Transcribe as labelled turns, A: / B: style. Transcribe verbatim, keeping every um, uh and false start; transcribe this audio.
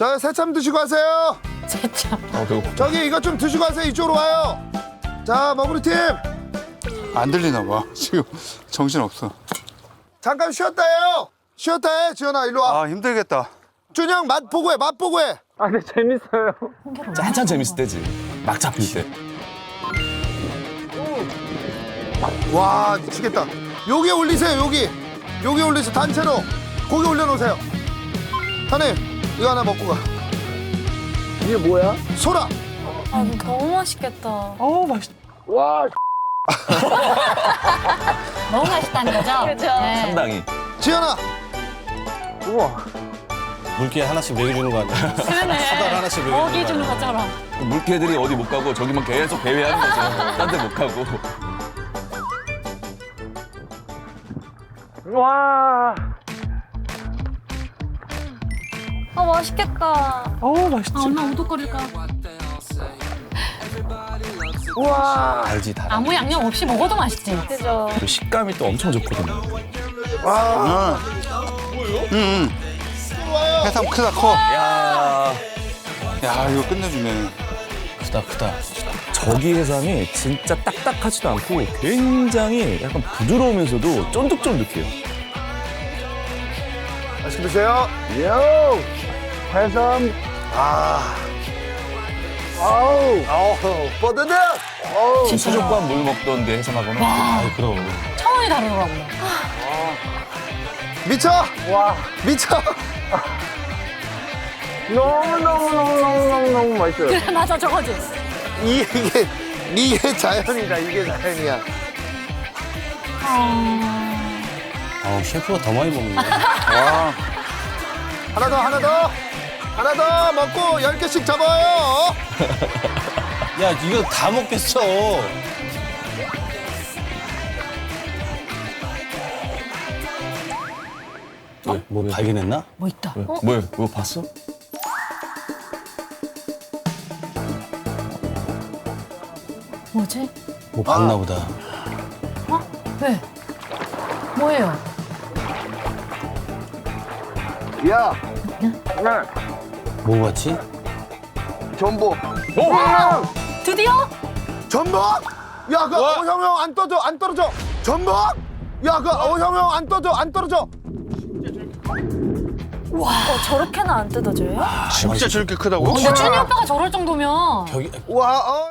A: 저 새참 드시고 가세요.
B: 새참.
C: 아, 배고파.
A: 저기 이것 좀 드시고 가세요. 이쪽으로 와요. 자, 머구리 팀.
C: 안 들리나 봐. 지금 정신 없어.
A: 잠깐 쉬었다 해요. 쉬었다 해. 지현아, 일로 와.
C: 아, 힘들겠다.
A: 준영, 맛 보고 해. 맛 보고 해.
D: 아, 근데 재밌어요.
E: 한참 재밌을 때지. 막 잡힐 때.
A: 와, 미치겠다. 여기 올리세요. 여기. 여기 올리세요. 단체로. 고기 올려놓으세요. 사장님, 이거 하나 먹고 가.
D: 이게 뭐야?
A: 소라.
B: 아, 이거 너무 맛있겠다.
D: 어우, 맛있다. 와,
B: 너무 맛있다는 거죠? 그렇죠. 네.
E: 상당히.
A: 지현아.
D: 우와.
E: 물개 하나씩 먹여주는 거 아니야?
B: 그러네.
E: 사달 하나씩 먹여주는
B: 먹이 주는 것처럼.
E: 물개들이 어디 못 가고 저기만 계속 배회하는 거죠. 딴 데 못 가고.
D: 와.
B: 아, 맛있겠다.
D: 어우, 맛있지.
B: 아, 얼마나 오독거릴까.
D: 우와.
E: 알지, 다.
B: 아무 양념 없이 먹어도 맛있지. 그죠.
E: 그 식감이 또 엄청 좋거든요.
A: 와.
C: 응. 응, 응. 해삼 크다, 커.
E: 야
C: 야, 이거 끝내주네.
E: 크다, 크다. 저기 해삼이 진짜 딱딱하지도 않고 굉장히 약간 부드러우면서도 쫀득쫀득해요.
A: 맛있게 드세요.
D: 요. 해삼.
A: 아.
D: 아우.
A: 아우, 뻗어내. 어우.
E: 수족과 물 먹던 데 해삼하고는. 아, 그럼.
B: 차원이 다르더라고요.
A: 미쳐.
D: 와.
A: 미쳐.
D: 너무너무너무너무너무 맛있어요.
B: 그래, 맞아, 저거지.
A: 이게, 이게 자연이다. 이게 자연이야.
B: 아...
E: 아, 셰프가 더 많이 먹네.
C: 와.
A: 하나 더, 하나 더. 하나 더 먹고 열 개씩 잡아요.
E: 야, 이거 다 먹겠어. 왜, 뭐 발견했나?
B: 뭐 있다. 어?
E: 뭐야, 그거 봤어?
B: 뭐지?
E: 뭐 봤나 보다.
B: 어? 왜? 뭐예요?
A: 야,
D: 네.
E: 뭐 봤지?
A: 전복.
B: 드디어?
A: 전복? 야, 그, 어, 형, 형, 안 떠져, 안 떨어져. 전복? 야, 그, 어, 형, 형, 안 떠져, 안 떨어져.
B: 와, 어, 저렇게는 안 뜯어져요?
C: 진짜 저렇게 크다고?
B: 근데 준이 오빠가 저럴 정도면.
E: 벽이,
A: 와, 어.